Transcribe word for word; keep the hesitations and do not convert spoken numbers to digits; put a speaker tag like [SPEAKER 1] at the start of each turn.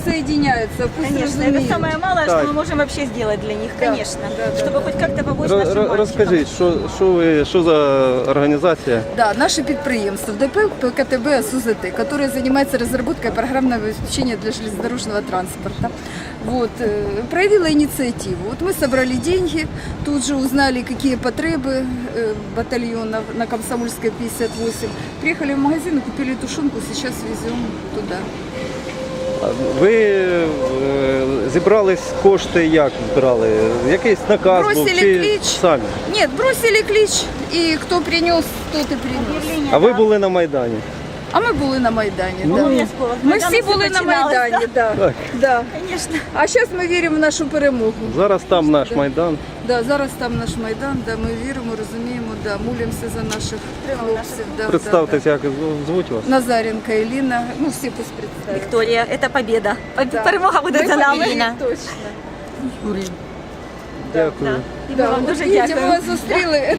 [SPEAKER 1] присоединяются, пусть
[SPEAKER 2] Конечно, это
[SPEAKER 1] разумеют.
[SPEAKER 2] самое малое,
[SPEAKER 3] Так.
[SPEAKER 2] что мы можем вообще сделать для них,
[SPEAKER 1] Да,
[SPEAKER 2] конечно.
[SPEAKER 1] да, да,
[SPEAKER 2] Чтобы
[SPEAKER 1] да.
[SPEAKER 2] хоть как-то помочь
[SPEAKER 3] Ро-
[SPEAKER 2] нашим
[SPEAKER 3] ро-
[SPEAKER 2] мальчикам.
[SPEAKER 3] Розкажіть, що, що, ви, що за організація?
[SPEAKER 1] Да, наше підприємство ДП ПКТБ СУЗТ, которое занимается разработкой программного обеспечения для железнодорожного транспорта. Вот, э, проявила инициативу. Вот мы собрали деньги, тут же узнали, какие потребы э, батальона на Комсомольской пятьдесят восемь. Приехали в магазин и купили тушенку, сейчас везем туда.
[SPEAKER 3] Ви е, зібрались кошти як збирали? Якийсь наказ був
[SPEAKER 1] Бросили
[SPEAKER 3] чи
[SPEAKER 1] клич.
[SPEAKER 3] самі?
[SPEAKER 1] Нет, бросили клич, и кто принес, тот и принес.
[SPEAKER 2] Объявление,
[SPEAKER 3] А ви
[SPEAKER 2] да.
[SPEAKER 3] були на Майдані?
[SPEAKER 1] А ми були на Майдані.
[SPEAKER 3] Ну,
[SPEAKER 1] да.
[SPEAKER 2] Обов'язково. З
[SPEAKER 1] Ми
[SPEAKER 2] Майдану
[SPEAKER 1] всі
[SPEAKER 2] все
[SPEAKER 1] були на
[SPEAKER 2] починалось,
[SPEAKER 1] Майдані, да.
[SPEAKER 3] Так.
[SPEAKER 1] Да.
[SPEAKER 2] Конечно.
[SPEAKER 1] А зараз ми віримо в нашу перемогу.
[SPEAKER 3] Зараз там наш
[SPEAKER 1] Да.
[SPEAKER 3] Майдан.
[SPEAKER 1] Да, зараз там наш Майдан, да, ми віримо, розуміємо, да, молимося за наших хлопців. Да,
[SPEAKER 3] Представтесь,
[SPEAKER 1] да,
[SPEAKER 3] як звуть вас?
[SPEAKER 1] да. Назаренко Еліна, ну всі пусть представлять.
[SPEAKER 2] Виктория, это победа. Поб-
[SPEAKER 1] Да.
[SPEAKER 2] Перемога буде
[SPEAKER 1] Ми
[SPEAKER 2] за нами.
[SPEAKER 1] победили, точно.
[SPEAKER 3] Дякую.
[SPEAKER 2] І ми вам
[SPEAKER 1] от
[SPEAKER 2] дуже
[SPEAKER 1] видите, ми
[SPEAKER 2] дякуємо.
[SPEAKER 1] вас зустріли.